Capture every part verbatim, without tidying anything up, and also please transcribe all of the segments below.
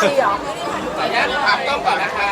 ซีเหรอขออนุญาตถามต้องก่อนนะคะ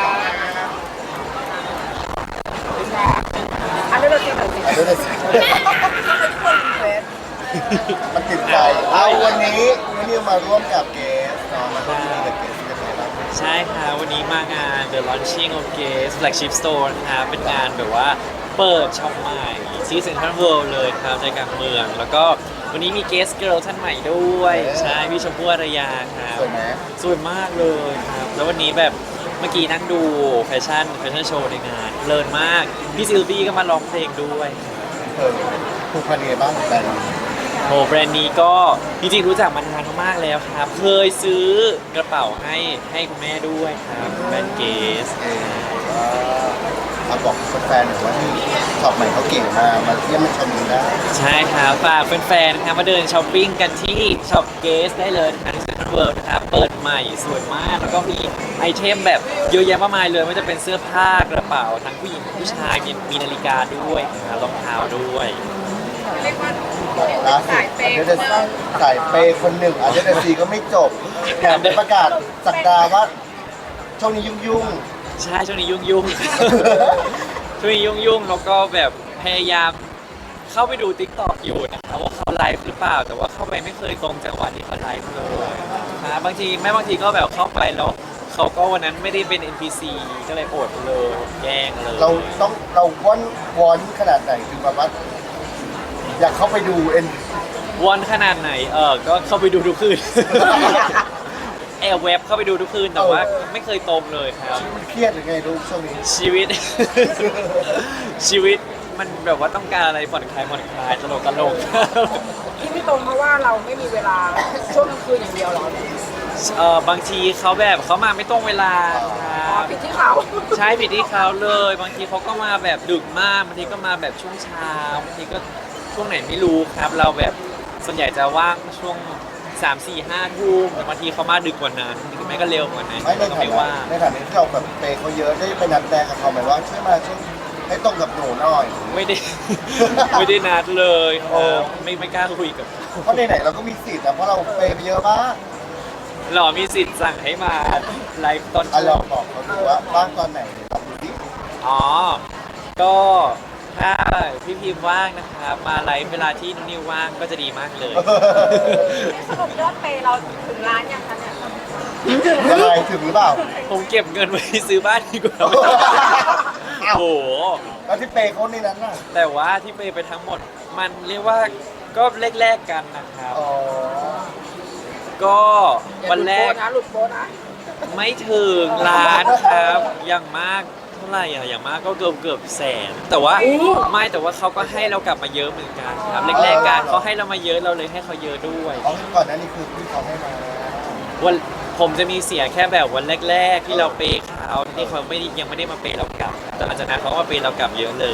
อันนี้เราซีหน่อยสิอันนี้เลยสิทำไมทุกคนเฟสมันติดใจเอาวันนี้วันนี้มาร่วมกับเกสเนาะมาร่วมที่นี่กับเกสกันไหนบ้างใช่ค่ะวันนี้มางาน The Launching of Gaze Flagship Store นะครับเป็นงานแบบว่าเปิดช็อปใหม่ที่เซ็นทรัลเวิลด์เลยครับใจกลางเมือง แล้วก็วันนี้มี Guest Girl ท่านใหม่ด้วย ใช่พี่ชมพู่อารยาครับสวยไหมสวยมากเลยครับ แล้ววันนี้แบบเมื่อกี้นั่งดูแฟชั่นแฟชั่นโชว์ในงานเพลินมาก พี่ซิลวี่ก็มาร้องเพลงด้วยเออผูกพันยังไงบ้างกับแบรนด์นี้โอ้แบรนด์นี้ก็จริงๆรู้จักมานานมากแล้วครับ เคยซื้อกระเป๋าให้ให้คุณแม่ด้วยครับแบรนด์เกสเออมาบอกแฟนๆหน่อยว่านี่ช็อปใหม่เขาเก่งมากมาเยี่ยมมาชมกันได้ใช่ครับฝากแฟนๆนะครับมาเดินช้อปปิ้งกันที่ช็อปเกสได้เลยนะครับเซ็นทรัลเวิลด์นะครับเปิดใหม่สวยมาก แล้วก็มีไอเทมแบบเยอะแยะมากมายเลยไม่ว่าจะเป็นเสื้อผ้ากระเป๋าทั้งผู้หญิงผู้ชายมีมีนาฬิกาด้วยนะครับรองเท้าด้วยเรียกว่าล่าสุดอันเดอร์สายเปย์คนหนึ่งอันเดอร์ซีก็ไม่จบแถมได้ประกาศสักดาว่าช่วงนี้ยุ่งใช่ช่วงนี้ยุ่งยุ่งๆ ช่วงนี้ยุ่งยุ่งๆแล้วก็แบบพยายามเข้าไปดู ติ๊กต็อก อยู่นะครับว่าเขาไลฟ์หรือเปล่า แต่ว่าเข้าไปไม่เคยตรงจังหวะที่เขาไลฟ์เลยนะบางทีแม่บางทีก็แบบเข้าไปแล้วเขาก็วันนั้นไม่ได้เป็น เอ็น พี ซี ก็เลยอดเลยแย่งเลยๆเราต้องเราวอนวอนขนาดไหนถึงแบบว่าอยากเข้าไปดูเอ็นวอนขนาดไหนเออก็เข้าไปดูทุกคืน แอบเว็บเข้าไปดูทุกคืนแต่ว่าไม่เคยตรงเลยครับเครียดหรือไงลูกช่วงนี้ชีวิต ชีวิตมันแบบว่าต้องการอะไรผ่อนคลายผ่อนคลายตลกตลกที่ไม่ตรงเพราะว่าเราไม่มีเวลาช่วงกลางคืนอย่างเดียวเหรอเออบางทีเขาแบบเขามาไม่ตรงเวลาคอ๋อรับผิดที่เขาใช่ผิดที่เขาเลย บางทีเขาก็มาแบบดึกมากบางทีก็มาแบบช่วงเช้าบางทีก็ช่วงไหนไม่รู้ครับ เราแบบส่วนใหญ่จะว่างช่วงสามสี่ห้าทุ่มแต่บางทีเขามาดึกกว่านั้นหรือไม่ก็เร็วกว่านั้นไม่ในก็ฐาไม่นะว่างในฐานะที่เราแบบเปย์เขาเยอะได้ไปนัดแรงกับเขาไหมว่าช่วยมาช่วยให้ตรงกับหนูหน่อยไม่ได้ ไม่ได้นัดเลยครับไม่ไม่กล้าคุยกับเพราะไหนๆเราก็มีสิทธิ์นะเพราะเราเปย์ไปเยอะมากหรอมีสิทธิ์สั่งให้มาไลฟ์ตอนอ่ะช่ลวอง งบอกเขาดูว่าบ้างตอนไหนเดี๋ยวลองดูดิอ๋อ ก็ถ้าพี่พิมพ์ว่างนะครับ มาไลฟ์เวลาที่นุนนิวว่างก็จะดีมากเลยสรุปยอดเปย์เราถึงล้านยังคะเนี่ยยังไงถึงหรือเปล่าผมเก็บเงินไว้ซื้อบ้านดีกว่าอ้าวโอ้โหแล้วที่เปย์เขาในนั้นน่ะแต่ว่าที่ไปไปทั้งหมด มันเรียกว่าก็แลกๆกันนะครับอ๋อก็วันแรกอย่าหลุดโบนะไม่ถึงล้านครับ อย่างมากเท่าไหร่อะอย่างมากก็เกือบเกือบแสน แต่ว่าไม่แต่ว่าเขาก็ให้เรากลับมาเยอะเหมือนกันครับแรกๆกันเขาให้เรามาเยอะเราเลยให้เขาเยอะด้วยอ๋อก่อนหน้านี้คือพี่เขาให้มาวันผมจะมีเสียแค่แบบวันแรกๆที่เราเปย์เขาที่เขาไม่ได้ยังไม่ได้มาเปย์เรากลับ แต่หลังจากนั้นเขาก็มาเปย์เรากลับเยอะเลย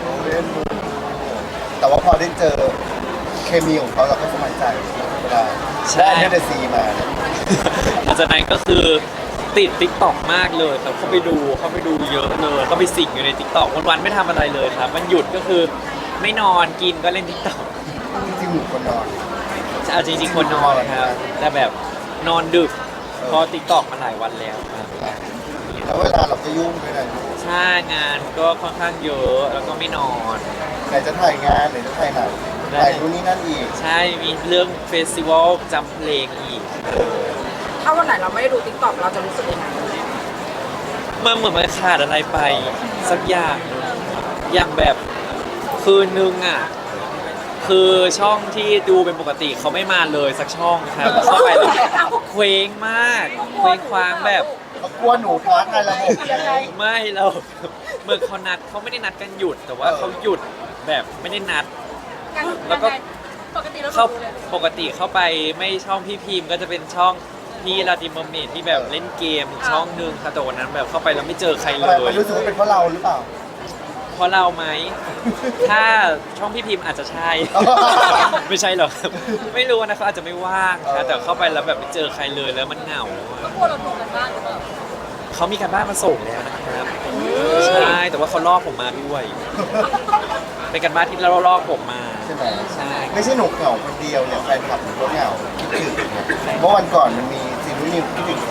แต่ว่าพอได้เจอเคมีของเขาเราก็สบายใจเวลาใช่ได้เดซีมาเนี่ยหลังจากนั้นก็คือติดติ๊กต็อกมากเลยแต่เขาไปดูเขาไปดูเยอะเลยเขาไปสิงอยู่ในติ๊กต็อกวันๆไม่ทำอะไรเลยครับมันหยุดก็คือไม่นอนกินก็เล่นติ๊กต็อกจริงๆหนูคนนอนเอาจริงๆคนนอนครับแต่แบบนอนดึกเพอติ๊กต็อกมาหลายวันแล้วครับแล้วเวลาเราก็ยุ่งด้วยนะใช่งานก็ค่อนข้างเยอะแล้วก็ไม่นอนไหนจะถ่ายงานไหนจะถ่ายหนังถ่ายนู่นนี่นั่นอีกใช่มีเรื่องเฟสติวัลจำเพลงอีกถ้าวันไหนเราไม่ได้ดูติ๊กต็อกเราจะรู้สึกยังไงมันเหมือนมันขาดอะไรไปสักอย่างหนึ่งอย่างแบบคืนนึงอ่ะคือช่องที่ดูเป็นปกติเขาไม่มาเลยสักช่องครับเข้าไปแล้วเคว้งมากเคว้งคว้างแบบเขากลัวหนูท้าทายระบบยังไงไม่เราเมื่อเขานัดเขาไม่ได้นัดกันหยุด แต่ว่าเขาหยุดแบบไม่ได้นัด แล้วก็ปกติเราเข้าปกติเข้าไปไม่ช่องพี่พิมพ์ก็จะเป็นช่องพี่ลาติมเมอร์เมดที่แบบเล่นเกมอีกช่องหนึ่งค่ะแต่วันนั้นแบบเข้าไปแล้วไม่เจอใครเลทำไมยมันรู้สึกว่าเป็นเพราะเราหรือเปล่าเพราะเราไหม ถ้าช่องพี่พิมพ์อาจจะใช่ ไม่ใช่หรอกครับไม่รู้นะเขาอาจจะไม่ว่างนะแต่เข้าไปแล้วแบบไม่เจอใครเลยแล้วมันเหงาอะกลัวเราโดนกันบ้างหรือเปล่าเขามีการบ้านมาส่งแล้วนะครับใช่แต่ว่าเขาล่อผมมาด้วย เป็นการบ้านที่เราล่อผมมาใช่ไหมใช่ไม่ใช่หนูเหงาคนเดียวเนี่ยแฟนคลับหนูก็เหงาคิดถึงเนี่ยเมื่อวันก่อนมันมีซีรีส์นิวคิดถึง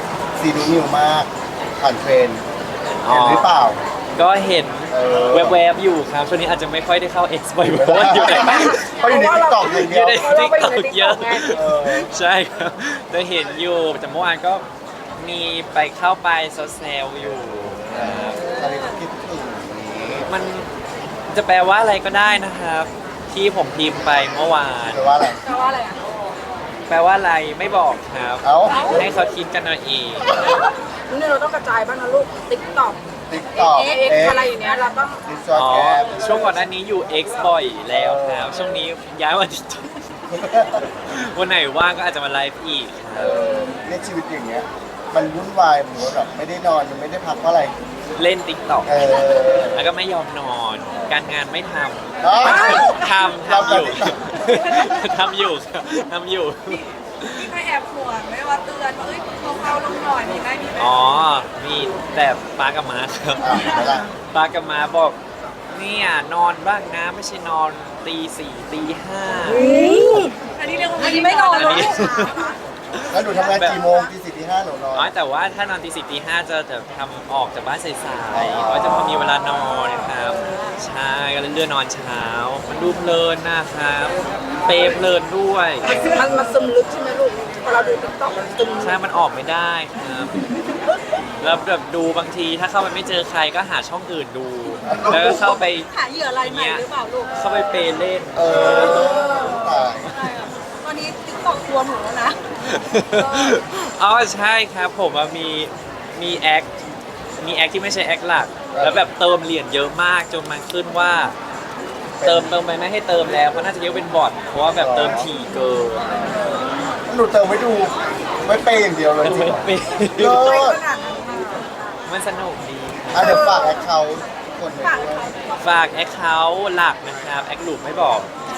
ซีนูนิวมากผ่านเทรนด์เห็นหรือเปล่าก็เห็นเออแวบๆอยู่ครับช่วงนี้อาจจะไม่ค่อยได้เข้า X บ่อยเพราะว่าอยู่ในเพราะอยู่ในติ๊กต็อกอย่างอเดียยู่วใน TikTok เยอะเออใช่ครับแต่เห็นอยู่แต่เมื่อวานก็มีไปเข้าไปแซวๆอยู่ครับอะไรก็คิดถึงนี้มันจะแปลว่าอะไรก็ได้นะครับ ที่ผมพิมพ์ไปเมื่อวานแปลว่าอะไรแปลว่าอะไรอ่ะแปลว่าอะไรไม่บอกครับเอ้าให้เขาคิดกันเอาเองนี่เราต้องกระจายบ้างนะลูกติ๊กต็อกติ๊กต็อกเอ็กเอ็กอะไรอย่างเงี้ยเราต้องดิสจออ๋อแกมช่วงก่อนหน้านี้อยู่ X บ่อยแล้วครับช่วงนี้ย้ายมา TikTok วันไหนว่างก็อาจจะมาไลฟ์อีกคเอรับอเนี่ยชีวิตอย่างเงี้ย มันวุ่นวายเหมือนว่าแบบไม่ได้นอนมันไม่ได้พักเพราะอะไรเล่น TikTok เออแล้วก็ไม่ยอมนอน การงานไม่ทเอ้าำ ทำทำอยู่เราทำอยู่ครับทำอยู่มีใครแอบห่วงไหมว่าเตือนว่าเอ้ยเบาๆลงหน่อยมีไหมมีไหมอ๋อ มีแต่ป้ากับม้าครับอ่ะเห็นไหมล่ะป้ากับม้าบอกเนี่ยนอนบ้างนะไม่ใช่นอนตีสี่ตีห้าอันนี้เรียกว่าอันนี้ไม่นอนอันเลยนี้แล้วหนูทำงานกี่โมงตีสี่ตีห้าหนูนอนอ๋อแต่ว่าถ้านอนตีสี่ตีห้าจะจะทำออกจากบ้านสายอ๋อๆเพราะจะพอมีเวลานอนนะครับ ใช่ก็เลยเลื่อนนอนเช้า มันดูเพลินนะครับ เปรย์เพลินด้วยมันมันซึมลึกใช่ไหมลูกพอเราดูติ๊กต็อกมันซึมใช่ มันออกไม่ได้ครับ แล้วแบบดูบางทีถ้าเข้าไปไม่เจอใครก็หาช่องอื่นดู แล้วก็เข้าไปหาเหยื่ออะไรใหม่หรือเปล่าลูกเข้าไปเปย์เล่นเออตายตอนนี้ติ๊กต็อกรวมหนูแล้วนะอ๋อใช่ครับผมอะมีมีแอค มีแอคที่ไม่ใช่แอคหลัก แล้วแบบเติมเหรียญเยอะมากจนมันขึ้นว่า เติมเติมไปไม่ให้เติมแล้วเพราะน่าจะเรียกเป็นบอทเพราะว่าแบบเติมถี่เกินหนูเติมไว้ดูไม่เปย์อย่างเดียวเลยมันจริไม่งเหรอเป็นเลิศมันสนุกดีอ่ะเดี๋ยวฝากแอคเคาท์คนหนึ่งด้วยฝากแอคเคาท์หลักนะครับ แอคหลุมไม่บอก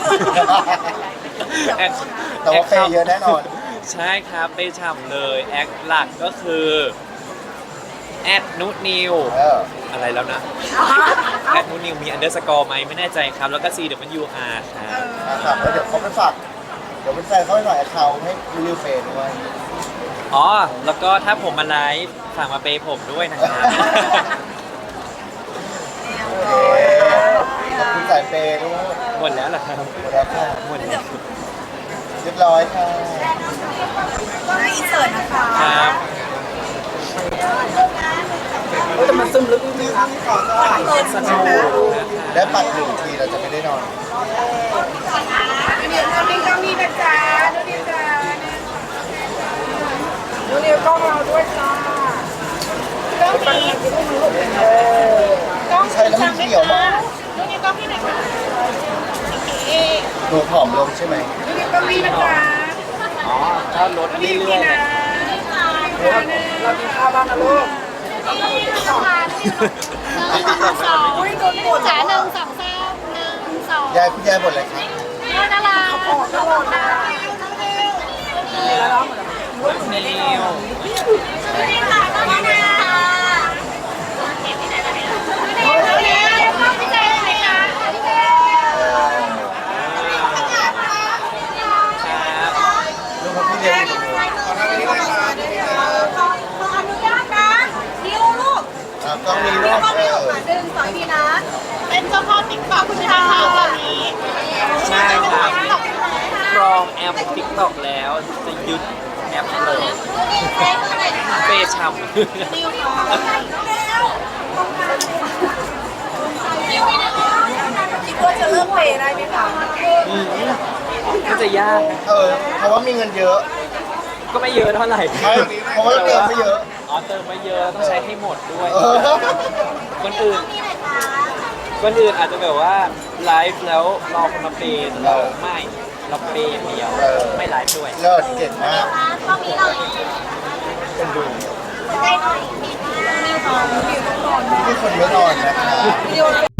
แอคแต่ว่าเปย์เยอะแน่นอนใช่ครับเปย์ฉ่ำเลย แอคหลักก็คือแอดนุนิวเอออะไรแล้วนะแอดนุนิวมีอันเดอร์สกอร์ไหมไม่แน่ใจครับ แล้วก็ C W R ครับนะครับแล้วเดี๋ยวเขาไปฝากเดี๋ยวเป็นแฟนเขาไปฝากแอคเคาท์ให้รีวิวเฟย์ด้วยอ๋อ แล้วก็ถ้าผมมาไลฟ์ฝากมาเปย์ผมด้วยนะครับโอเคขอบคุณสายเปย์ด้วยหมดแล้วเหรอครับหมดแล้วค่ะหมดแล้วเรียบร้อยค่ะนะอินเสิร์ตนะคะครับแต่มันซึมลึกจริงๆนะสนุกนะครับและปัดหนึ่งทีเราจะไม่ได้นอนเดี๋ยวนี้ก็มีนะจ๊ะดูดิจ้าดูนี่กล้องเราด้วยจ้าก็มีเออไม่ใช่แล้วมันเขียวมากดูนี่ก็พี่ไหนคะหนูผอมลงใช่ไหมดูนี่ก็มีนะจ๊ะอ๋อถ้าลดดูเรื่นี่อยๆนะเรากินข้าวบ้างนะลูกอุ้ยโดนปวดจ๋าหนึ่งสองสามหนึ่งสองยายคุณยายบ่นอะไรคะน่ารักออกตลอดนะแล้วน้องนิวนี่ค่ะน่ารักนะเอาแล้วเข้าไปใจเลยค่ะครับลูกของพี่เรียนอยู่ตรงนี้ขออนุญาตนะดิวลูกอ่ะกล้องนี้ลูกเออหนึ่งสองทีนะเป็นเจ้าพ่อติ๊กต็อกคุณค่ะตอนนี้ใช่ครับกรองแอป TikTok แล้วจะยึดแอปเลยเปย์ฉ่ำคิดว่าจะเริ่มเปย์ได้ไหมคะอืมก็จะยากนะเออเพราะว่ามีเงินเยอะก็ไม่เยอะเท่าไหร่ใช่เพราะว่าเติมไม่เยอะอ๋อเติมไม่เยอะต้องใช้ให้หมดด้วยเออคนอื่น คนอื่นอาจจะแบบว่าไลฟ์แล้วรอคนมาเปย์แต่เราไม่เราเปย์อย่างเดียวเออไม่ไลฟ์ด้วยเลิศเก่งมากตอนนี้เราเป็นดูได้หน่อยที่คนไม่นอนนะคะเดียว